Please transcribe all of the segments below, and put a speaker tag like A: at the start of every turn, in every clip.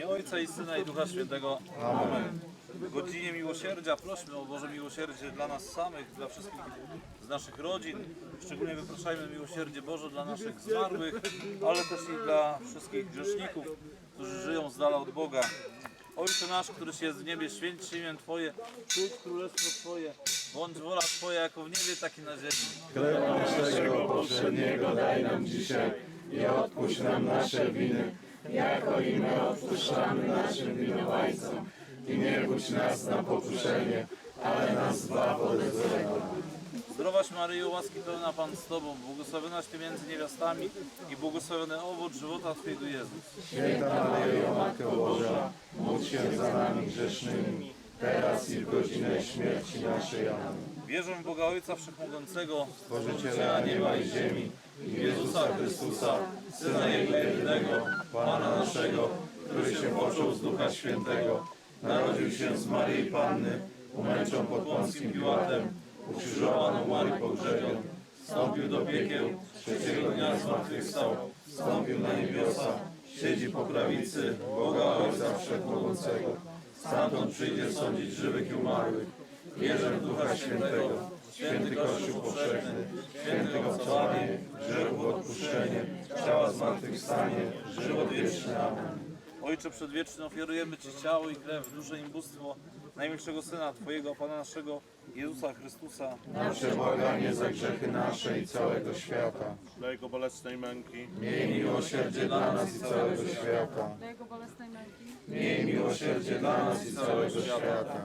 A: Ojca i Syna i Ducha Świętego. Amen. W godzinie miłosierdzia prośmy o Boże miłosierdzie dla nas samych, dla wszystkich z naszych rodzin. Szczególnie wypraszajmy miłosierdzie Boże dla naszych zmarłych, ale też i dla wszystkich grzeszników, którzy żyją z dala od Boga. Ojcze nasz, któryś jest w niebie, święć się imię Twoje, przyjdź królestwo Twoje, bądź wola Twoja jako w niebie, tak i na ziemi.
B: Chleb naszego powszedniego daj nam dzisiaj i odpuść nam nasze winy, jako i my odpuszczamy naszym winowajcom. I nie budź nas na pokuszenie, ale nas zbaw ode złego.
A: Zdrowaś Maryjo, łaski pełna Pan z Tobą, błogosławionaś Ty między niewiastami i błogosławiony owoc żywota Twojego Jezus.
B: Święta Maryjo, Matko Boża, módl się za nami grzesznymi, teraz i w godzinę śmierci naszej. Amen.
A: Wierzę w Boga Ojca Wszechmogącego,
B: Stworzyciela nieba i ziemi, i w Jezusa Chrystusa, Syna Jego jedynego, Pana naszego, który się począł z Ducha Świętego, narodził się z Maryi Panny, umęczon pod Pąckim Piłatem, ukrzyżowaną Marii pogrzebion, wstąpił do piekieł, trzeciego dnia zmartwychwstał, wstąpił na niebiosa, siedzi po prawicy Boga Ojca Wszechmogącego. Stamtąd przyjdzie sądzić żywych i umarłych. Wierzę w Ducha Świętego, święty Kościół powszechny, świętego zbawienie, grzechów odpuszczenie, ciała zmartwychwstanie, żywot wieczny. Amen.
A: Ojcze Przedwieczny, ofiarujemy Ci ciało i krew, duszę i bóstwo najmilszego Syna Twojego, Pana naszego, Jezusa Chrystusa.
B: Nasze błaganie za grzechy nasze i całego świata.
C: Dla Jego bolesnej męki,
B: Miej miłosierdzie dla nas i całego świata.
D: Dla Jego bolesnej męki,
B: Miej miłosierdzie dla nas i całego świata.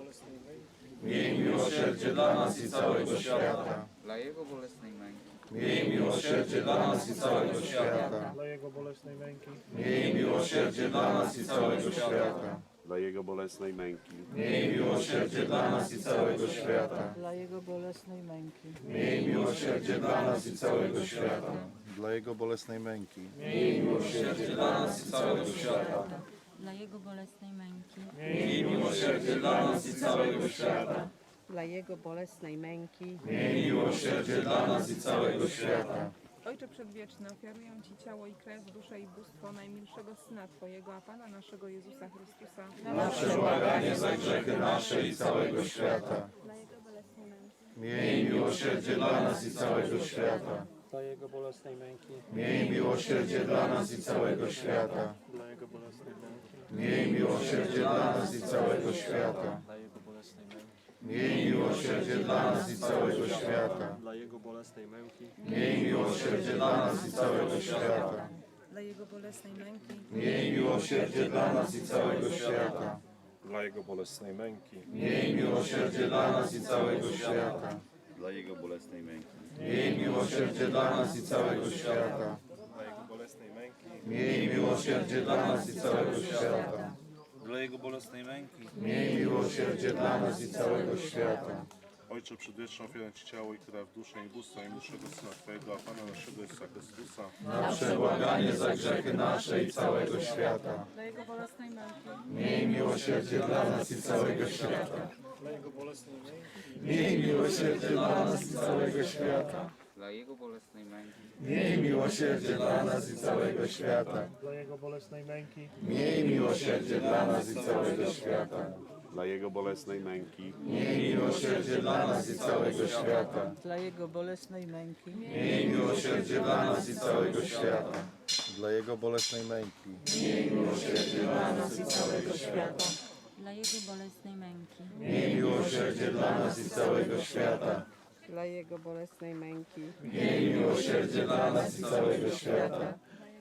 B: Miej miłosierdzie dla nas i całego świata.
E: Dla Jego bolesnej męki,
B: Miej miłosierdzie dla nas i całego świata.
F: Dla Jego bolesnej męki,
B: Miej miłosierdzie dla nas i całego świata.
C: dla Jego bolesnej męki,
B: Miej miłosierdzie dla nas i całego świata.
D: dla Jego bolesnej męki,
B: Miej miłosierdzie dla nas i całego świata.
G: Dla Jego bolesnej męki,
B: Miej miłosierdzie dla nas i całego świata.
H: Dla Jego bolesnej męki,
B: Miej miłosierdzie dla nas i całego świata.
D: dla Jego bolesnej męki.
B: Miej miłosierdzie dla nas i całego świata.
I: Ojcze Przedwieczny, ofiaruję Ci ciało i krew, duszę i bóstwo najmilszego Syna Twojego, a Pana naszego Jezusa Chrystusa,
B: Nasze błaganie za grzechy nasze i całego świata.
I: dla Jego bolesnej męki,
B: Miej miłosierdzie dla nas i całego świata.
F: dla Jego bolesnej męki,
B: Miej miłosierdzie dla nas i całego świata.
F: dla Jego bolesnej męki,
B: Miej miłosierdzie dla nas i całego świata.
F: dla Jego bolesnej męki,
B: Miej miłosierdzie dla nas i całego świata.
F: dla Jego bolesnej męki,
B: Miej miłosierdzie dla nas i całego świata.
D: Dla Jego bolesnej męki,
B: Miej miłosierdzie dla nas i całego świata.
C: dla Jego bolesnej męki,
B: Miej miłosierdzie dla nas i całego świata.
G: dla Jego bolesnej męki,
B: Miej miłosierdzie dla nas i całego świata.
C: dla Jego bolesnej męki,
B: Miej miłosierdzie dla nas i całego świata.
A: Dla Jego bolesnej męki,
B: Miej miłosierdzie dla nas i całego świata.
C: Ojcze Przedwieczny, ofiarę Ci ciało i krew, duszę i bóstwo najmilszego Syna Twojego, a Pana naszego Jezusa Chrystusa,
B: Nasze błaganie za grzechy nasze i całego świata.
I: dla Jego bolesnej męki,
B: Miej miłosierdzie dla nas i całego świata.
F: dla Jego bolesnej męki,
B: Miej miłosierdzie dla nas i całego świata.
E: dla Jego bolesnej męki,
B: Miej miłosierdzie dla nas i całego świata.
F: dla Jego bolesnej męki,
B: Miej miłosierdzie dla nas i całego świata.
C: dla Jego bolesnej męki,
B: Miej miłosierdzie dla nas i całego świata.
D: dla Jego bolesnej męki,
B: Miej miłosierdzie dla nas i całego świata.
G: dla Jego bolesnej męki,
B: Miej miłosierdzie dla nas i całego świata.
H: dla Jego bolesnej męki,
B: Miej miłosierdzie dla nas i całego świata.
D: dla Jego bolesnej męki,
B: Miej miłosierdzie dla nas i całego świata.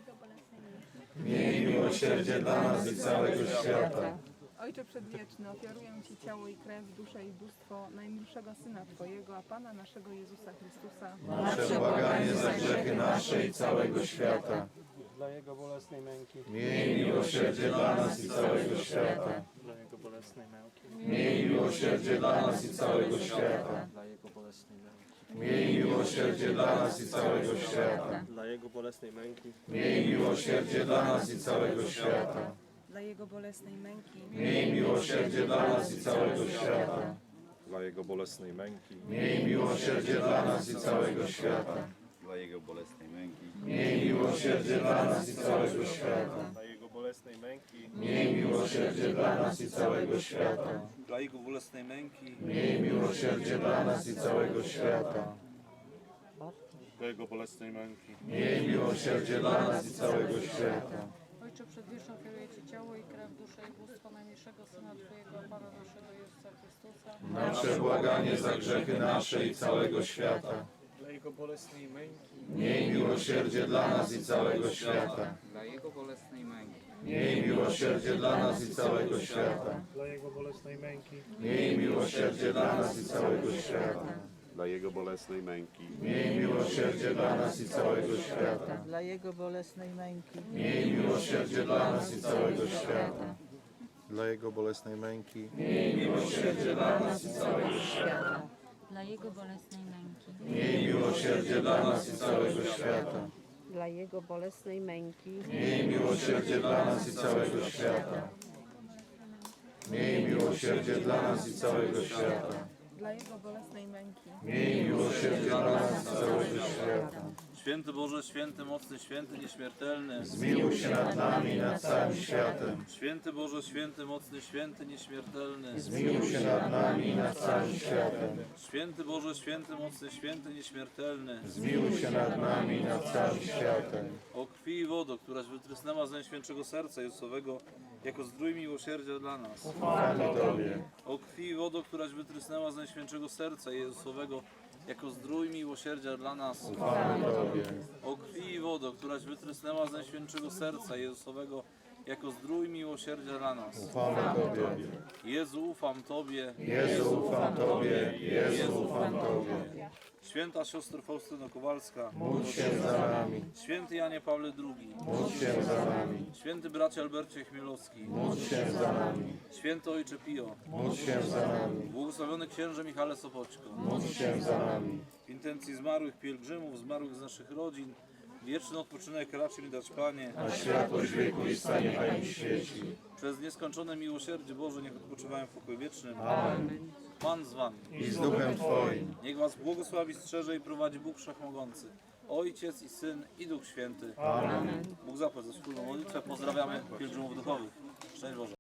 B: Miej miłosierdzie dla nas i całego świata.
I: Ojcze Przedwieczny, ofiaruję Ci ciało i krew, duszę i bóstwo najmilszego Syna Twojego, a Pana naszego Jezusa Chrystusa,
B: Nasze błaganie za grzechy nasze i całego świata.
F: dla Jego bolesnej męki,
B: Miej miłosierdzie dla nas i całego świata.
F: dla Jego bolesnej męki,
B: Miej miłosierdzie dla nas i całego świata.
F: dla Jego bolesnej męki,
B: Miej miłosierdzie dla nas i całego świata.
F: dla Jego bolesnej męki,
B: Miej miłosierdzie dla nas i całego świata.
D: dla Jego bolesnej męki,
B: Miej miłosierdzie dla nas i całego świata.
C: dla Jego bolesnej męki,
B: Miej miłosierdzie dla nas i całego świata.
G: dla Jego bolesnej męki,
B: Miej miłosierdzie dla nas i całego świata.
C: dla Jego bolesnej
F: bolesnej męki,
B: Miej miłosierdzie dla nas i całego świata.
A: dla Jego bolesnej męki,
B: Miej miłosierdzie dla nas i całego świata.
C: Dla Jego bolesnej męki.
B: Miej miłosierdzie dla nas i całego świata.
J: Ojcze Przedwieczny, ofiaruję Ci ciało i krew, duszę i bóstwo najmilszego Syna Twojego, Pana naszego Jezusa Chrystusa,
B: Na przebłaganie za grzechy nasze i całego świata.
F: dla Jego bolesnej męki,
B: Miej miłosierdzie dla nas i całego świata.
E: dla Jego bolesnej męki,
B: Miej miłosierdzie dla nas i całego świata.
F: dla Jego bolesnej męki,
B: Miej miłosierdzie dla nas i całego świata.
G: Dla Jego bolesnej męki.
B: Miej miłosierdzie dla nas i całego świata.
D: dla Jego bolesnej męki,
B: Miej miłosierdzie dla nas i całego świata.
G: Dla Jego bolesnej męki.
B: Miej miłosierdzie dla nas i całego świata.
H: dla Jego bolesnej męki,
B: Miej miłosierdzie dla nas i całego świata.
D: dla Jego bolesnej męki,
B: Miej miłosierdzie dla nas i całego świata. Miej miłosierdzie dla nas i całego świata.
I: dla Jego bolesnej męki,
B: Miej miłosierdzie dla nas i całego świata.
A: Święty Boże, święty, mocny, święty, nieśmiertelny,
B: Zmiłuj się nad nami i nad całym światem.
A: święty Boże, święty, mocny, święty, nieśmiertelny,
B: Zmiłuj się nad nami i nad całym światem.
A: święty Boże, święty, mocny, święty, nieśmiertelny,
B: Zmiłuj się nad nami i nad całym światem.
A: o krwi i wodo, któraś wytrysnęła z Najświętszego Serca Jezusowego, jako zdrój miłosierdzia dla nas.
B: Ufamy Tobie.
A: O krwi i wodo, któraś wytrysnęła z Najświętszego Serca Jezusowego, jako zdrój miłosierdzia dla nas.
B: Ufamy Tobie.
A: O krwi i wodo, któraś wytrysnęła z Najświętszego Serca Jezusowego, jako zdrój miłosierdzia dla nas.
B: Ufamy Tobie.
A: Jezu, ufam Tobie.
B: Jezu, ufam Tobie. Jezu, ufam Tobie.
A: Święta siostro Faustyno Kowalska,
B: Módl się za nami.
A: święty Janie Pawle II,
B: Módl się za nami.
A: święty bracie Albercie Chmielowski,
B: Módl się za nami.
A: święty ojcze Pio,
B: Módl się za nami.
A: błogosławiony księże Michale Sopoćko,
B: Módl się za nami.
A: w intencji zmarłych pielgrzymów, zmarłych z naszych rodzin, wieczny odpoczynek raczy mi dać Panie,
B: A światłość wieku i stanie niechaj im świeci.
A: przez nieskończone miłosierdzie Boże niech odpoczywają w pokoju wiecznym.
B: Amen.
A: Pan z Wami.
B: I z duchem Twoim.
A: Niech Was błogosławi, strzeże i prowadzi Bóg Wszechmogący, Ojciec i Syn i Duch Święty.
B: Amen.
A: Bóg zapłać za wspólną modlitwę. Pozdrawiamy pielgrzymów duchowych. Szczęść Boże.